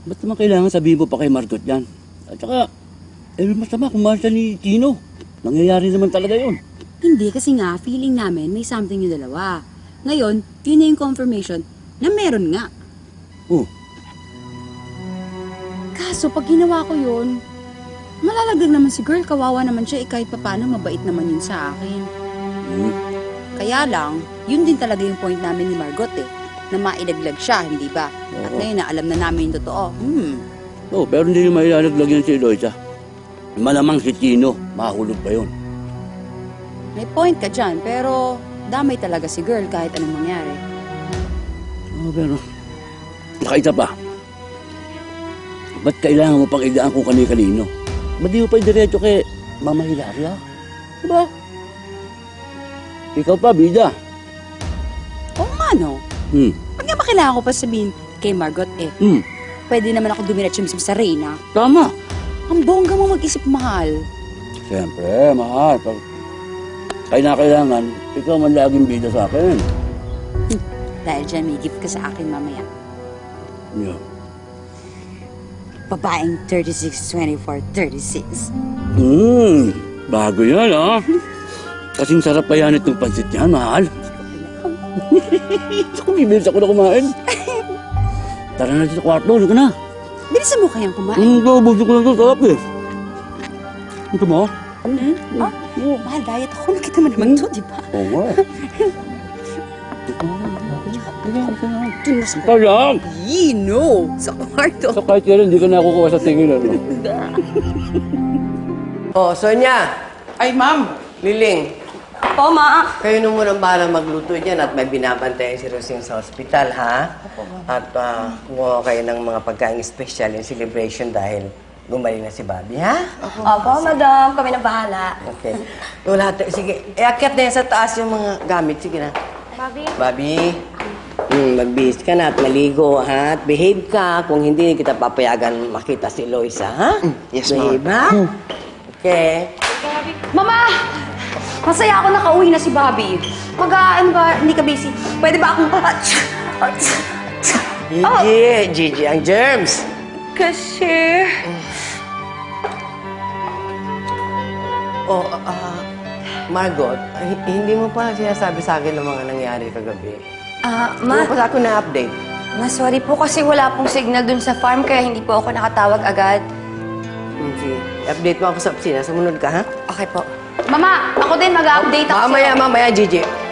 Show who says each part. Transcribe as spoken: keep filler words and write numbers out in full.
Speaker 1: Ba't naman kailangan sabihin mo pa kay Margot yan? At saka, eh, masama kung mahal siya ni Tino. Nangyayari naman talaga yun.
Speaker 2: Hindi, kasi nga, feeling namin may something yung dalawa. Ngayon, yun na yung confirmation na meron nga.
Speaker 1: Oh,
Speaker 2: Kaso, pag ginawa ko yun, malalaglag naman si girl, kawawa naman siya, eh kahit papaano mabait naman yun sa akin.
Speaker 1: hmm.
Speaker 2: Kaya lang, yun din talaga yung point namin ni Margot eh, na mailaglag siya, hindi ba? At
Speaker 1: Oo.
Speaker 2: ngayon na alam na namin yung totoo. Hmm.
Speaker 1: Oh, pero hindi yung mailalaglag yan si Eloisa. Malamang si Tino, mahulog pa yun.
Speaker 2: May point ka dyan, pero damay talaga si girl kahit anong mangyari.
Speaker 1: Oh, pero, nakaisa pa. Ba't kailangan mo pang idaan kung kani-kanino? Ba't di mo pa diretso kay Mama Hilaria? Diba? Ikaw pa, bida.
Speaker 2: Oo nga no,
Speaker 1: Hmm,
Speaker 2: pag nga ba kailangan ko pa sabihin kay Margot eh,
Speaker 1: hmm,
Speaker 2: pwede naman ako dumiretso mismo sa Reyna.
Speaker 1: tama.
Speaker 2: Ang bongga mo mag-isip, mahal.
Speaker 1: Siyempre, mahal. Pag kaya na kailangan, ikaw man laging bida sa akin.
Speaker 2: Dahil dyan may gift ka sa akin mamaya.
Speaker 1: Yeah.
Speaker 2: Babaeng thirty-six, twenty-four, thirty-six.
Speaker 1: Hmm, bago yan, ha? Kasing sarap pa yan itong pansit niyan, mahal. Ako, bibilis ako na kumain. Tara na dito sa kwarto, ano ka na?
Speaker 2: Bilisan mo kayang kumain.
Speaker 1: Ang gabugin ko lang ito, sarap eh. Ito mo?
Speaker 2: Hmm? Ah, mahal, diet ako. Nakita mo naman to, di ba?
Speaker 1: Oo nga.
Speaker 2: Dun na sa...
Speaker 1: Ikaw lang!
Speaker 2: Yee, no! Sa kwarto.
Speaker 1: So kahit kailan, hindi ka nakukuha sa tingin, ano?
Speaker 3: Oh, Sonia,
Speaker 4: Ay, ma'am.
Speaker 3: Liling,
Speaker 2: Po, ma.
Speaker 3: kayo nung munang para magluto dyan at may binabantayan si Rosing sa ospital, ha? At uh, kumuha kayo ng mga pagkain special in celebration dahil gumaling na si Bobby, ha?
Speaker 5: Opo, madam. Kami na bahala.
Speaker 3: Okay. So, lahat, sige, iakyat na yan sa taas yung mga gamit. Sige na.
Speaker 5: Bobby?
Speaker 3: Bobby, mm, magbihis ka na at maligo, ha? At behave ka. Kung hindi, kita papayagan makita si Loisa, ha?
Speaker 4: Yes, ma'am.
Speaker 3: Behave, ha? Okay.
Speaker 5: Mama! Masaya ako nakauwi na si Bobby. Pag, ah, ano ba, hindi ka busy. Pwede ba akong...
Speaker 3: Gigi, Gigi, ang germs.
Speaker 5: Kasi...
Speaker 3: Oh, ah, Margot, h- hindi mo pa sinasabi sa akin ng mga nangyari kagabi.
Speaker 5: Ah,
Speaker 3: Hindi
Speaker 5: ma...
Speaker 3: mo pa sa akin na-update.
Speaker 5: Ma, sorry po kasi wala pong signal dun sa farm kaya hindi po ako nakatawag agad.
Speaker 3: Hmm, sige. Update mo ako sa opisina. Sumunod ka, ha?
Speaker 5: Okay po. Mama, ako din mag-update ako
Speaker 3: Mamaya,
Speaker 5: sa'yo.
Speaker 3: mamaya, Gigi.